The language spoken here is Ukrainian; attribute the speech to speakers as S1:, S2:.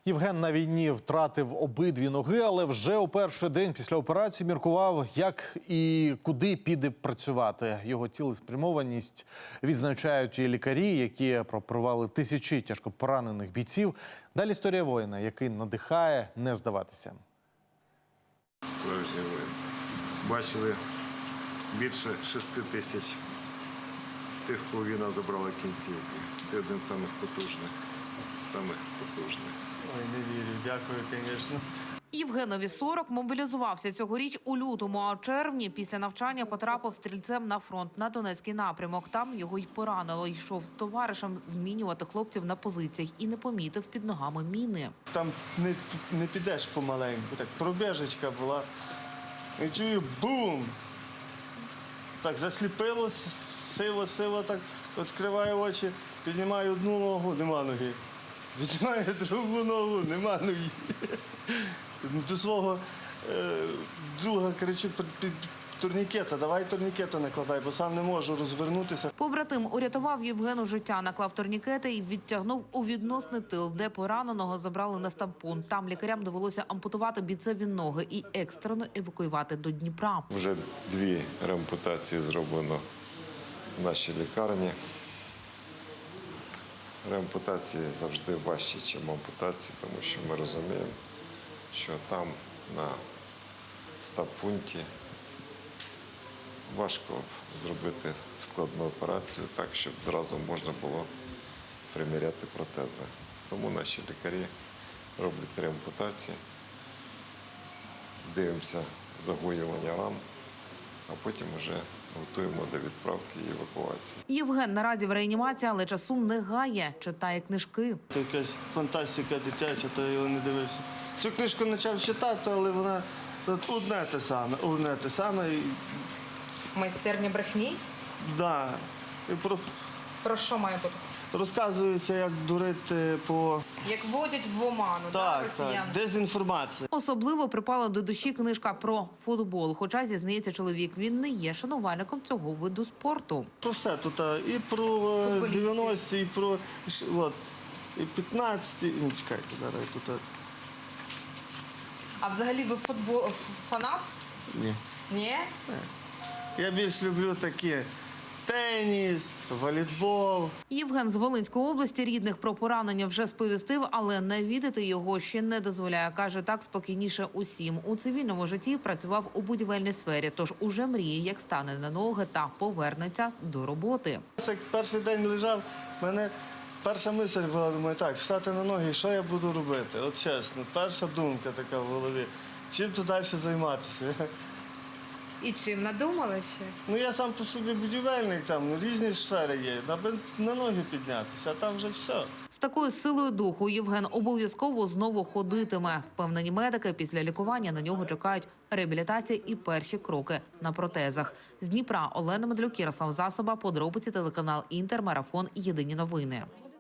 S1: Євген на війні втратив обидві ноги, але вже у перший день після операції міркував, як і куди піде працювати. Його цілеспрямованість відзначають і лікарі, які пропривали тисячі тяжко поранених бійців. Далі історія воїна, який надихає не здаватися.
S2: Справжній воїн. Бачили більше 6 тисяч тих, кого війна забрала кінцівки. Ти один з самих потужних.
S3: Ой, не вірю. Дякую, звісно.
S4: Євгенові 40, мобілізувався цьогоріч у лютому, а у червні після навчання потрапив стрільцем на фронт на Донецький напрямок. Там його й поранило. Йшов з товаришем змінювати хлопців на позиціях і не помітив під ногами міни.
S3: Там не підеш помаленьку. Так, пробіжечка була. І чую бум! Так засліпило, сиво, так відкриваю очі, піднімаю одну ногу, нема ноги. Віднімаю другу ногу, нема ноги. До свого друга кричу: турнікета, давай турнікета накладай, бо сам не можу розвернутися.
S4: Побратим урятував Євгену життя, наклав турнікети і відтягнув у відносний тил, де пораненого забрали на стампун. Там лікарям довелося ампутувати бійцеві ноги і екстрено евакуювати до Дніпра.
S2: Вже 2 реампутації зроблено в нашій лікарні. Реампутації завжди важчі, ніж ампутації, тому що ми розуміємо, що там на стаб-пункті важко зробити складну операцію так, щоб зразу можна було приміряти протези. Тому наші лікарі роблять реампутації, дивимося загоювання ран, а потім вже готуємо до відправки і евакуації.
S4: Євген наразі в реанімації, але часу не гає. Читає книжки.
S3: Це якась фантастика дитяча, то я його не дивився. Цю книжку почав читати, але вона одне те саме.
S5: Майстерня брехні?
S3: Да. І
S5: Про що має бути?
S3: розказується, як дурити по...
S5: Як вводять в оману, росіян?
S3: Дезінформація.
S4: Особливо припала до душі книжка про футбол. Хоча, зізнається чоловік, він не є шанувальником цього виду спорту.
S3: Про все тут, і про 90-ті, і про і 15-ті. Ну, чекайте, зараз тут...
S5: А взагалі ви фанат?
S3: Ні.
S5: Ні?
S3: Я більш люблю такі теніс, волейбол.
S4: Євген з Волинської області рідних про поранення вже сповістив, але навідати його ще не дозволяє. Каже, так спокійніше усім. У цивільному житті працював у будівельній сфері, тож уже мріє, як стане на ноги та повернеться до роботи.
S3: Як перший день лежав, в мене перша мисль була, думаю, так, встати на ноги, що я буду робити? От чесно, перша думка така в голові. Чим тут далі займатися?
S5: І чим надумали щось?
S3: Ну, я сам по собі будівельник, там різні сфери є, аби на ноги піднятися, а там вже все.
S4: З такою силою духу Євген обов'язково знову ходитиме. Впевнені медики, після лікування на нього чекають реабілітація і перші кроки на протезах. З Дніпра Олена Медлюк, Ярослав Засоба, подробиці телеканал Інтер, Марафон, Єдині новини.